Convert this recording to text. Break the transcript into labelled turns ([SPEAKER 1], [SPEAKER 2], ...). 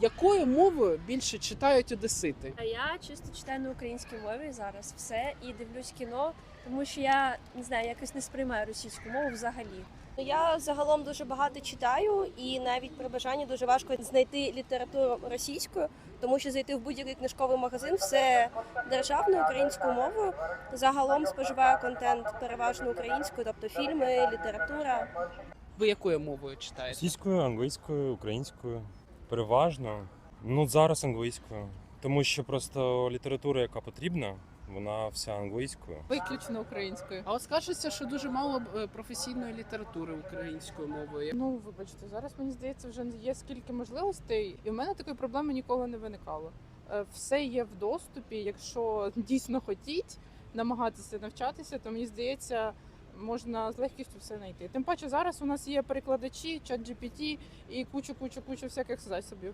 [SPEAKER 1] Якою мовою більше читають одесити?
[SPEAKER 2] А я чисто читаю на українській мові зараз все і дивлюсь кіно, тому що я не знаю, якось не сприймаю російську мову взагалі.
[SPEAKER 3] Я загалом дуже багато читаю, і навіть при бажанні дуже важко знайти літературу російською, тому що зайти в будь-який книжковий магазин все державною українською мовою. Загалом споживаю контент переважно українською, тобто фільми, література.
[SPEAKER 1] Ви якою мовою читаєте?
[SPEAKER 4] Російською, англійською, українською. Переважно. Ну, зараз англійською. Тому що просто література, яка потрібна, вона вся англійською.
[SPEAKER 5] Виключно українською.
[SPEAKER 1] А от скажеться, що дуже мало професійної літератури українською мовою.
[SPEAKER 5] Ну, вибачте, зараз мені здається, вже є скільки можливостей, і в мене такої проблеми ніколи не виникало. Все є в доступі. Якщо дійсно хотіть намагатися навчатися, то мені здається, можна з легкістю все знайти. Тим паче зараз у нас є перекладачі, ChatGPT і кучу всяких засобів.